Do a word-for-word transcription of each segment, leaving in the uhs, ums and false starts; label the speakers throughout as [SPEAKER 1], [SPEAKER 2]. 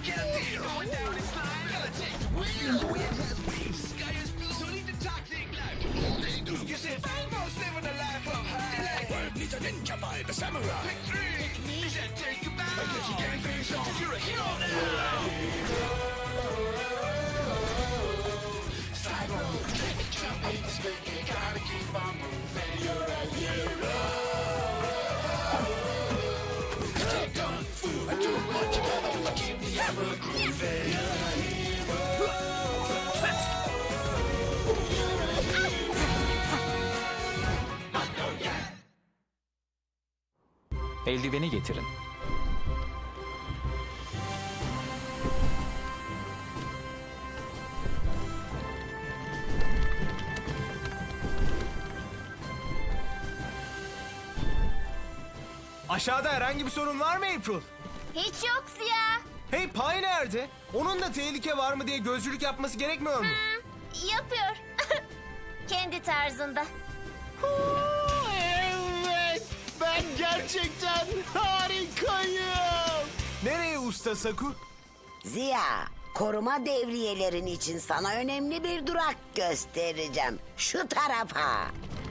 [SPEAKER 1] Eldiveni getirin.
[SPEAKER 2] Aşağıda herhangi bir sorun var mı April?
[SPEAKER 3] Hiç yok Ziya.
[SPEAKER 2] Hey, Pay nerede? Onun da tehlike var mı diye gözcülük yapması gerekmiyor mu?
[SPEAKER 3] Hı, yapıyor. Kendi tarzında.
[SPEAKER 4] Evet, ben gerçekten harikayım.
[SPEAKER 2] Nereye usta Saku?
[SPEAKER 5] Ziya, koruma devriyelerin için sana önemli bir durak göstereceğim. Şu tarafa.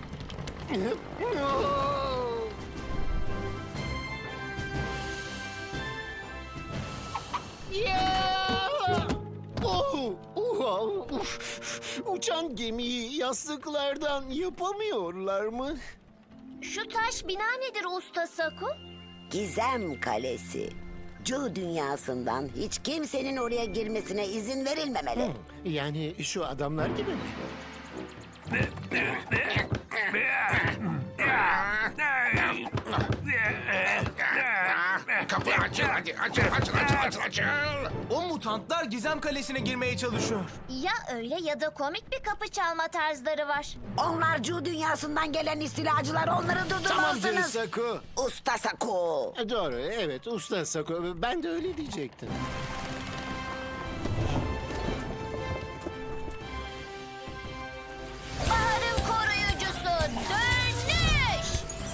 [SPEAKER 4] Ya! Oh, oh, uf. Uçan gemiyi yastıklardan yapamıyorlar mı?
[SPEAKER 3] Şu taş bina nedir usta Saku?
[SPEAKER 5] Gizem Kalesi. Cu dünyasından hiç kimsenin oraya girmesine izin verilmemeli.
[SPEAKER 4] Yani şu adamlar gibi mi?
[SPEAKER 6] Kapı açıl hadi. Açıl açıl açıl açıl açıl.
[SPEAKER 2] O mutantlar Gizem Kalesi'ne girmeye çalışıyor.
[SPEAKER 3] Ya öyle ya da komik bir kapı çalma tarzları var.
[SPEAKER 5] Onlar Cu dünyasından gelen istilacılar, onları
[SPEAKER 4] Tamam
[SPEAKER 5] durdurmalısınız.
[SPEAKER 4] Saku.
[SPEAKER 5] Usta Saku.
[SPEAKER 4] E, Doğru, evet usta Saku. Ben de öyle diyecektim.
[SPEAKER 3] Baharın koruyucusu dönüş.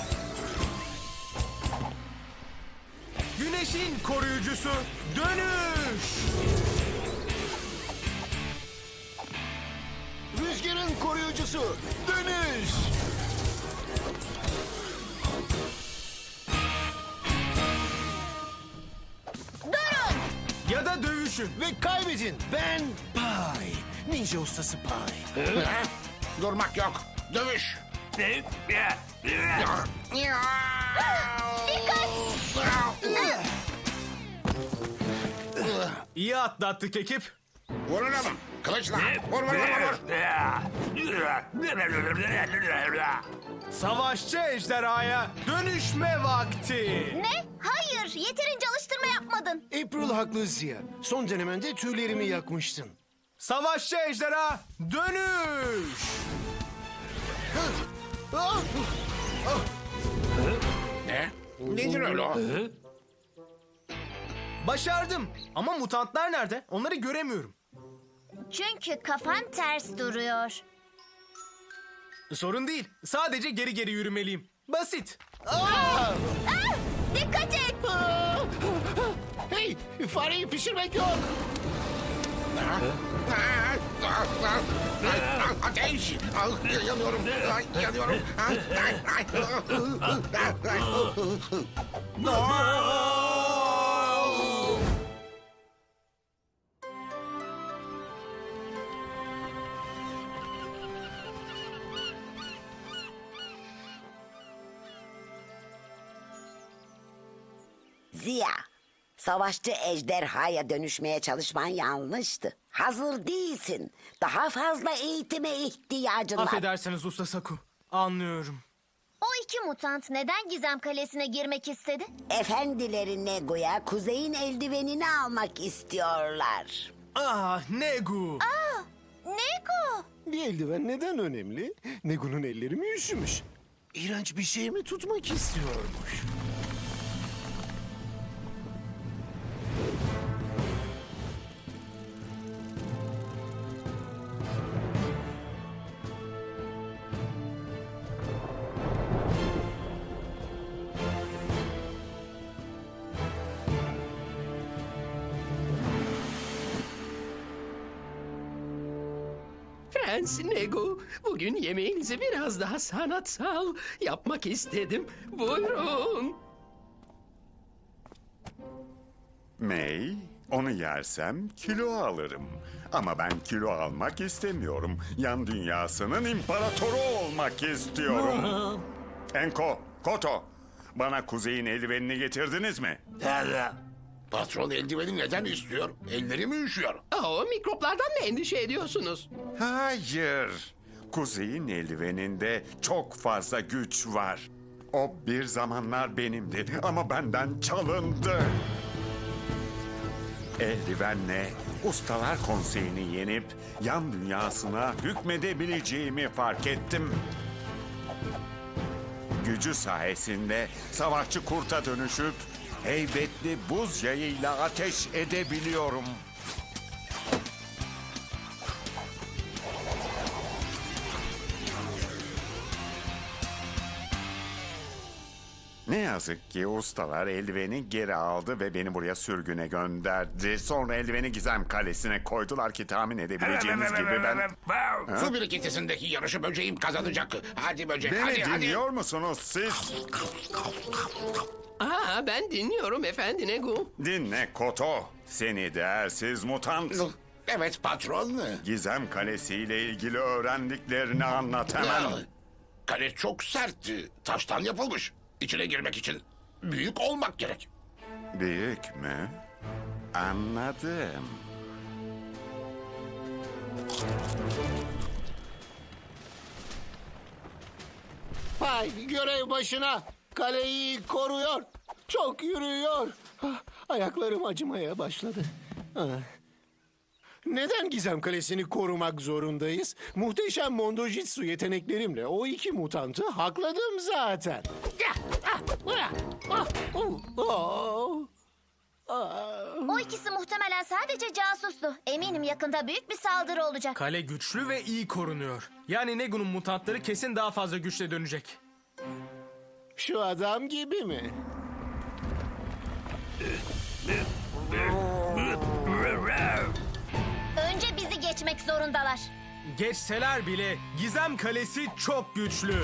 [SPEAKER 2] Güneşin koruyucusu dönüş.
[SPEAKER 4] Rüzgarın koruyucusu dönüş.
[SPEAKER 3] Durun.
[SPEAKER 2] Ya da dövüşün.
[SPEAKER 4] Ve kaybedin. Ben Pay. Ninja ustası Pay.
[SPEAKER 6] Durmak yok. Dövüş.
[SPEAKER 2] İyi atlattık ekip.
[SPEAKER 6] Vurun ama. Kılıçla. Vur vur vur vur.
[SPEAKER 2] Savaşçı ejderhaya dönüşme vakti.
[SPEAKER 3] Ne? Hayır, yeterince alıştırma yapmadın.
[SPEAKER 4] April haklı Ziya. Son denemende tüylerimi yakmıştın.
[SPEAKER 2] Savaşçı ejderha dönüş.
[SPEAKER 4] Ah!
[SPEAKER 6] Ne? Nedir öyle o?
[SPEAKER 2] Başardım. Ama mutantlar nerede? Onları göremiyorum.
[SPEAKER 3] Çünkü kafan ters duruyor.
[SPEAKER 2] Sorun değil. Sadece geri geri yürümeliyim. Basit.
[SPEAKER 4] Ah!
[SPEAKER 3] Ah, dikkat et.
[SPEAKER 4] Ah! Hey, fareyi pişirmek yok.
[SPEAKER 6] Ateş! Yanıyorum. Yanıyorum.
[SPEAKER 5] Ziya, savaşçı ejderhaya dönüşmeye çalışman yanlıştı. Hazır değilsin. Daha fazla eğitime ihtiyacın var.
[SPEAKER 2] Affedersiniz Usta Saku. Anlıyorum.
[SPEAKER 3] O iki mutant neden Gizem Kalesi'ne girmek istedi?
[SPEAKER 5] Efendileri Negu'ya kuzeyin eldivenini almak istiyorlar.
[SPEAKER 2] Ah Negu.
[SPEAKER 3] Aa, Neko.
[SPEAKER 4] Bir eldiven neden önemli? Negu'nun elleri mi üşümüş? İğrenç bir şey mi tutmak istiyormuş?
[SPEAKER 1] Prens Negu. Bugün yemeğinizi biraz daha sanatsal yapmak istedim. Buyurun.
[SPEAKER 7] May, onu yersem kilo alırım. Ama ben kilo almak istemiyorum. Yan dünyasının imparatoru olmak istiyorum. Enko, Koto, bana kuzeyin eldivenini getirdiniz mi?
[SPEAKER 6] Patron eldiveni neden istiyor? Elleri mi üşüyor?
[SPEAKER 1] O mikroplardan mı endişe ediyorsunuz?
[SPEAKER 7] Hayır. Kuzeyin eldiveninde çok fazla güç var. O bir zamanlar benimdi ama benden çalındı. Eldivenle Ustalar Konseyi'ni yenip yan dünyasına hükmedebileceğimi fark ettim. Gücü sayesinde savaşçı kurta dönüşüp heybetli buz yayıyla ateş edebiliyorum. Ne yazık ki ustalar eldiveni geri aldı ve beni buraya sürgüne gönderdi. Sonra eldiveni Gizem Kalesi'ne koydular ki tahmin edebileceğiniz gibi ben...
[SPEAKER 6] Su birikintisindeki yarışı böceğim kazanacak. Hadi böcek,
[SPEAKER 7] Beni
[SPEAKER 6] hadi hadi.
[SPEAKER 7] dinliyor musunuz siz?
[SPEAKER 1] Aa, ben dinliyorum efendi Negu.
[SPEAKER 7] Dinle Koto. Seni değersiz mutant.
[SPEAKER 6] Evet patron.
[SPEAKER 7] Gizem Kalesi ile ilgili öğrendiklerini anlat hemen.
[SPEAKER 6] Kale çok sertti. Taştan yapılmış. İçine girmek için büyük olmak gerek.
[SPEAKER 7] Büyük mü? Anladım.
[SPEAKER 4] Hay görev başına. Kaleyi koruyor. Çok yürüyor. Ah, ayaklarım acımaya başladı. Ah. Neden Gizem Kalesi'ni korumak zorundayız? Muhteşem Mondojitsu yeteneklerimle o iki mutantı hakladım zaten.
[SPEAKER 3] O ikisi muhtemelen sadece casustu. Eminim yakında büyük bir saldırı olacak.
[SPEAKER 2] Kale güçlü ve iyi korunuyor. Yani Negu'nun mutantları kesin daha fazla güçle dönecek.
[SPEAKER 4] Şu adam gibi mi?
[SPEAKER 3] Önce bizi geçmek zorundalar.
[SPEAKER 2] Geçseler bile Gizem Kalesi çok güçlü.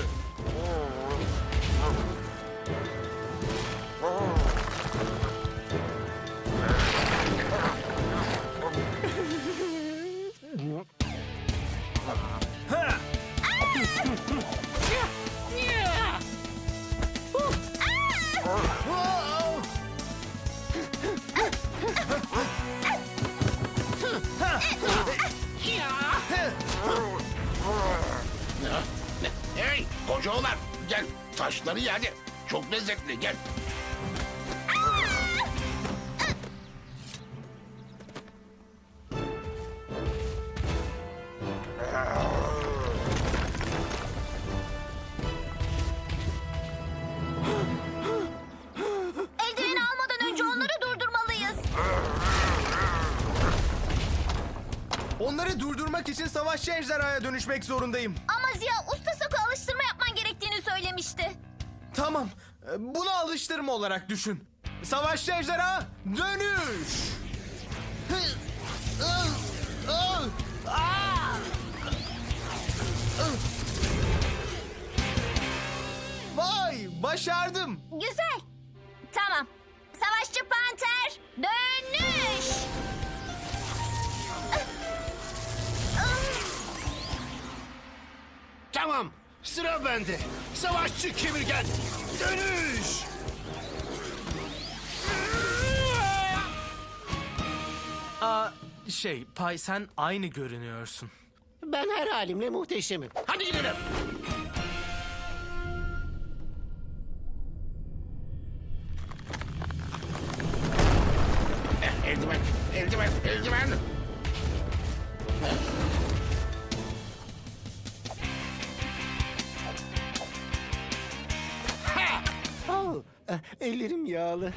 [SPEAKER 6] Hey koca oğlan gel taşları ye hadi. Çok lezzetli gel.
[SPEAKER 3] Eldiveni almadan önce onları durdurmalıyız.
[SPEAKER 2] Onları durdurmak için savaşçı ejderhaya dönüşmek zorundayım.
[SPEAKER 3] Ama Ziya usta Sako alıştırma yapman gerektiğini söylemişti.
[SPEAKER 2] Tamam, e, bunu alıştırma olarak düşün. Savaşçı ejderha dönüş. Vay, başardım.
[SPEAKER 3] Güzel. Tamam. Savaşçı panter dönüş.
[SPEAKER 4] Tamam. Sıra bende. Savaşçı kemirgen. Dönüş.
[SPEAKER 2] Aa, şey, Pay sen aynı görünüyorsun.
[SPEAKER 4] Ben her halimle muhteşemim. Hadi gidelim.
[SPEAKER 6] Eh, eldiven, eldiven, eldiven.
[SPEAKER 4] Oh, eh, ellerim yağlı.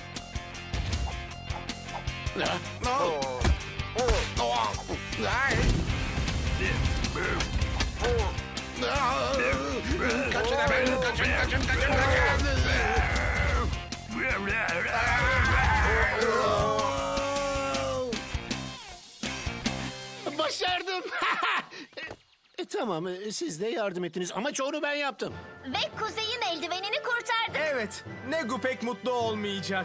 [SPEAKER 6] Ah, oh. Oh, ay. Ah, Kaçın hemen, kaçın, kaçın, kaçın, kaçın.
[SPEAKER 4] Başardım. Tamam, e, siz de yardım ettiniz ama çoğunu ben yaptım.
[SPEAKER 3] Ve Kuzey'in eldivenini kurtardık.
[SPEAKER 2] Evet, Negu pek mutlu olmayacak.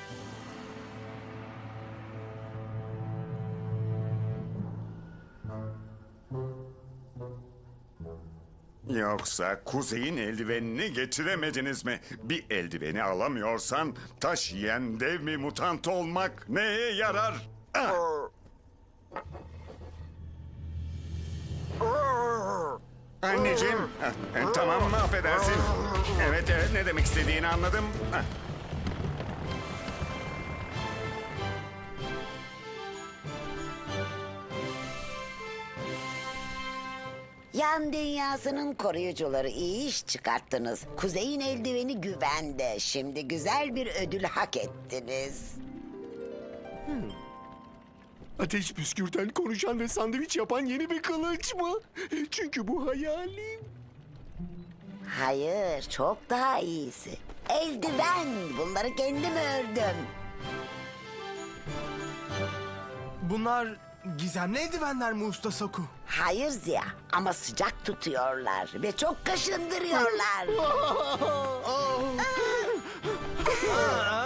[SPEAKER 7] Yoksa kuzeyin eldivenini getiremediniz mi? Bir eldiveni alamıyorsan taş yiyen dev mi mutant olmak neye yarar? Ah! Anneciğim, ah, e, tamam mı affedersin? Evet evet ne demek istediğini anladım. Ah.
[SPEAKER 5] Yan dünyasının koruyucuları iyi iş çıkarttınız. Kuzey'in eldiveni güvende. Şimdi güzel bir ödül hak ettiniz.
[SPEAKER 4] Ateş püskürten, konuşan ve sandviç yapan yeni bir kılıç mı? Çünkü bu hayalim.
[SPEAKER 5] Hayır, çok daha iyisi. Eldiven. Bunları kendim ördüm.
[SPEAKER 2] Bunlar gizemli eldivenler mi Usta Saku?
[SPEAKER 5] Hayır Ziya ama sıcak tutuyorlar ve çok kaşındırıyorlar.
[SPEAKER 2] Aa,